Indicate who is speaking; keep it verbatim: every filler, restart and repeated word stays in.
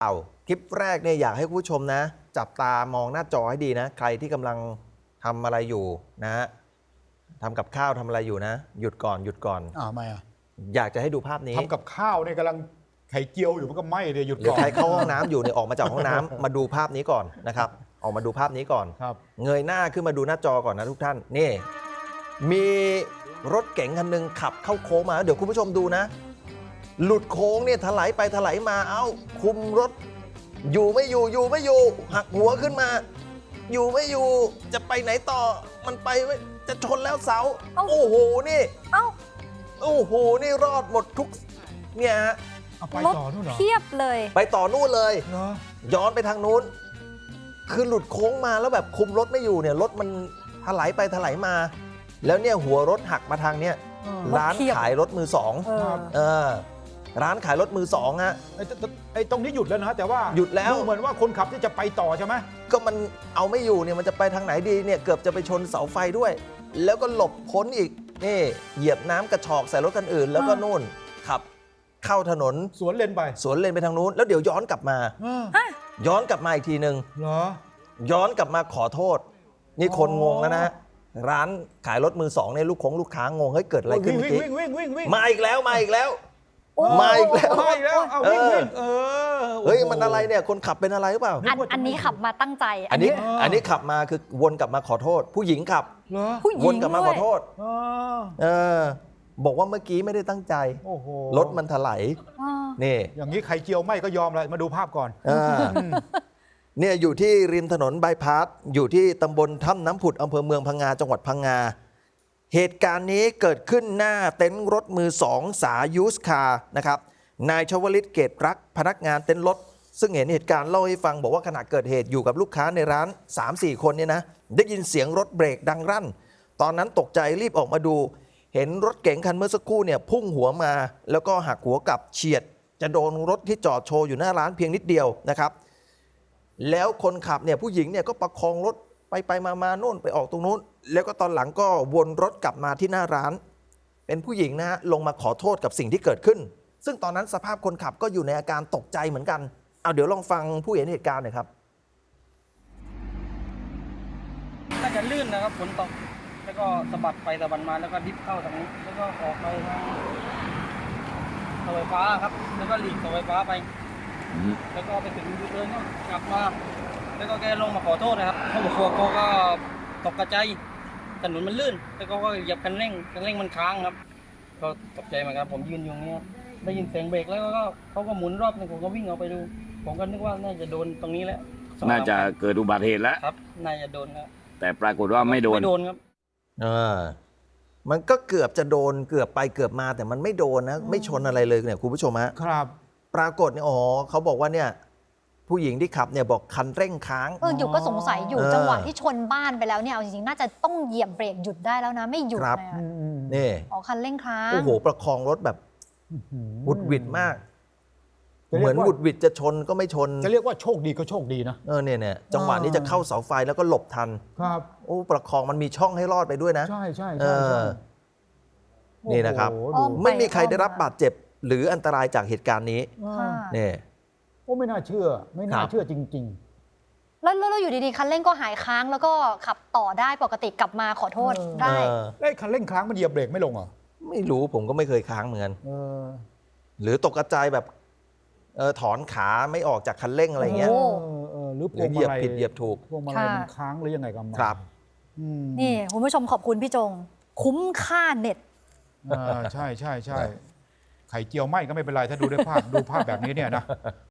Speaker 1: เอาคลิปแรกเนี่ยอยากให้คุณผู้ชมนะจับตามองหน้าจอให้ดีนะใครที่กำลังทำอะไรอยู่นะทำกับข้าวทำอะไรอยู่นะหยุดก่อนหยุดก่อน
Speaker 2: อ้าวไม่อ่ะ
Speaker 1: อยากจะให้ดูภาพนี้
Speaker 2: ทำกับข้าวเนี่ยกำลังไข่เจียวอยู่มันก็ไหม้เลยหยุดก่อน
Speaker 1: หรือใครเข้าห้องน้ำอยู่เนี่ยออกมาจากห้องน้ำ มาดูภาพนี้ก่อนนะครับออกมาดูภาพนี้ก่อนเงยหน้าขึ้นมาดูหน้าจอก่อนนะทุกท่านนี่มีรถเก๋งคันหนึ่งขับเข้าโค้งมาเดี๋ยวคุณผู้ชมดูนะหลุดโค้งเนี่ยถลายไปถลายมาเอ้าคุมรถอยู่ไม่อยู่อยู่ไม่อยู่หักหัวขึ้นมาอยู่ไม่อยู่จะไปไหนต่อมันไปจะชนแล้วเสาโอ้โหนี่เอ้าโอ้โหนี่รอดหมดทุกเนี่ยฮะ
Speaker 2: ไปต่อนู่นเหรอ
Speaker 3: เทียบเลย
Speaker 1: ไปต่อนู่นเลยย้อนไปทางนู้นคือหลุดโค้งมาแล้วแบบคุมรถไม่อยู่เนี่ยรถมันถลายไปถลายมาแล้วเนี่ยหัวรถหักมาทางเนี่ยร้านขายรถมือสองเออร้านขายรถมือสองฮะ
Speaker 2: ไอ้ตรงนี้หยุดแล้วนะแต่ว่า
Speaker 1: หยุดแล้ว
Speaker 2: เหมือนว่าคนขับที่จะไปต่อใช่ไหม
Speaker 1: ก็มันเอาไม่อยู่เนี่ยมันจะไปทางไหนดีเนี่ยเกือบจะไปชนเสาไฟด้วย แล้วก็หลบพ้นอีกนี่เหยียบน้ำกระชอกใส่รถคันอื่นแล้วก็นู่นขับเข้าถนน
Speaker 2: สวนเลนไป
Speaker 1: สวนเลนไปทางนู้นแล้วเดี๋ยวย้อนกลับมาย้อนกลับมาอีกทีหนึ่ง
Speaker 2: เหรอ
Speaker 1: ย้อนกลับมาขอโทษนี่คนงงแล้วนะร้านขายรถมือสองเนี่ยลูกของลูกค้างงเฮ้ยเกิดอะไรขึ้นเมื่อกี้มาอีกแล้วมาอีกแล้วมาอีกแล้ว
Speaker 2: มาอีกแล้วเอาวิ่งวิ่งเออ
Speaker 1: เฮ้ยมันอะไรเนี่ยคนขับเป็นอะไรหรือเปล่า
Speaker 3: อันนี้ขับมาตั้งใจ
Speaker 1: อันนี้อันนี้ขับมาคือวนกลับมาขอโทษผู้หญิงขับวนกลับมาขอโทษเออบอกว่าเมื่อกี้ไม่ได้ตั้งใจรถมันถลายนี่
Speaker 2: อย่างนี้ไข่เจียวไม่ก็ยอมเลยมาดูภาพก่อน
Speaker 1: เนี่ยอยู่ที่ริมถนนบายพาสอยู่ที่ตำบลถ้ำน้ำผุดอำเภอเมืองพังงาจังหวัดพังงาเหตุการณ์นี้เกิดขึ้นหน้าเต็นท์รถมือสองสายูสคาร์นะครับนายชวลิตเกตรักพนักงานเต็นท์รถซึ่งเห็นเหตุการณ์เล่าให้ฟังบอกว่าขณะเกิดเหตุอยู่กับลูกค้าในร้าน สามสี่ คนเนี่ยนะได้ยินเสียงรถเบรกดังรั่นตอนนั้นตกใจรีบออกมาดูเห็นรถเก๋งคันเมื่อสักครู่เนี่ยพุ่งหัวมาแล้วก็หักหัวกลับเฉียดจะโดนรถที่จอดโชว์อยู่หน้าร้านเพียงนิดเดียวนะครับแล้วคนขับเนี่ยผู้หญิงเนี่ยก็ประคองรถไปไปมามาโน่นไปออกตรงนู้นแล้วก็ตอนหลังก็วนรถกลับมาที่หน้าร้านเป็นผู้หญิงนะฮะลงมาขอโทษกับสิ่งที่เกิดขึ้นซึ่งตอนนั้นสภาพคนขับก็อยู่ในอาการตกใจเหมือนกันเอาเดี๋ยวลองฟังผู้เห็นเหตุการณ์หน่อยครับ
Speaker 4: น่าจะลื่นนะครับฝนตกแล้วก็สะบัดไปสะบัดมาแล้วก็ดิฟเข้าทางนี้แล้วก็ออกไปทางเสาไฟฟ้าครับแล้วก็หลีกเสาไฟฟ้าไปแล้วก็ไปถึงยูเทิร์นก็กลับมาแล้วก็แกลงมาขอโทษนะครับเขาบอกว่าเขาก็ตกใจถนนมันลื่นแล้วก็เหยียบคันเร่งคันเร่งมันค้างครับก็ตกใจเหมือนกันผมยืนอยู่นี้ได้ยินเสียงเบรกแล้วก็เขาก็หมุนรอบนึงผมก็วิ่งออกไปดูผมก็นึกว่าน่าจะโดนตรงนี้แล้ว
Speaker 5: น่าจะเกิดอุบัติเหตุแล้ว
Speaker 4: ครับน่าจะโดนครับ
Speaker 5: แต่ปรากฏว่าไม่โดน
Speaker 4: ไม่โดนครับ
Speaker 1: เออมันก็เกือบจะโดนเกือบไปเกือบมาแต่มันไม่โดนนะไม่ชนอะไรเลยเนี่ยคุณผู้ชมฮะ
Speaker 2: ครับ
Speaker 1: ปรากฏเนี่ยอ๋อเขาบอกว่าเนี่ยผู้หญิงที่ขับเนี่ยบอกคันเร่งค้าง
Speaker 3: เอออยู่ก็สงสัยอยู่จังหวะที่ชนบ้านไปแล้วเนี่ยเอาจริงๆน่าจะต้องเหยียบเบรกหยุดได้แล้วนะไม่หยุดเลย
Speaker 1: นี่
Speaker 3: อ๋อคันเร่งค้าง
Speaker 1: โอ้โหประคองรถแบบวุดวิดมากเหมือนวุดวิดจะชนก็ไม่ชน
Speaker 2: จะเรียกว่าโชคดีก็โชคดีนะ
Speaker 1: เออเนี่ยเนี่ยจังหวะนี้จะเข้าเสาไฟแล้วก็หลบทัน
Speaker 2: ครับ
Speaker 1: โอ้ประคองมันมีช่องให้รอดไปด้วยนะ
Speaker 2: ใช่ใช่ใช่
Speaker 1: นี่นะครับไม่มีใครได้รับบาดเจ็บหรืออันตรายจากเหตุการณ์นี้เนี่ย
Speaker 2: โอ้ไม่น่าเชื่อไม่น่าเชื่อจริง
Speaker 3: ๆแล้วแล้วอยู่ดีๆคันเร่งก็หายค้างแล้วก็ขับต่อได้ปกติกลับมาขอโทษได้
Speaker 2: ไอ้คันเร่งค้างมันเหยียบเบรกไม่ลงเหรอ
Speaker 1: ไม่รู้ผมก็ไม่เคยค้างเหมือนกันหรือตกกระจายแบบเออถอนขาไม่ออกจากคันเร่งอะไรเงี้ย
Speaker 2: หรือ
Speaker 1: เหยียบผิดเหยียบถูก
Speaker 2: พวงมาลัยมันค้างหรือยังไงกัน
Speaker 1: ครับ
Speaker 3: นี่คุณผู้ชมขอบคุณพี่จงคุ้มค่าเน็ต
Speaker 2: ใช่ใช่ใช่ไข่เจียวไหมก็ไม่เป็นไรถ้าดูด้วยภาพดูภาพแบบนี้เนี่ยนะ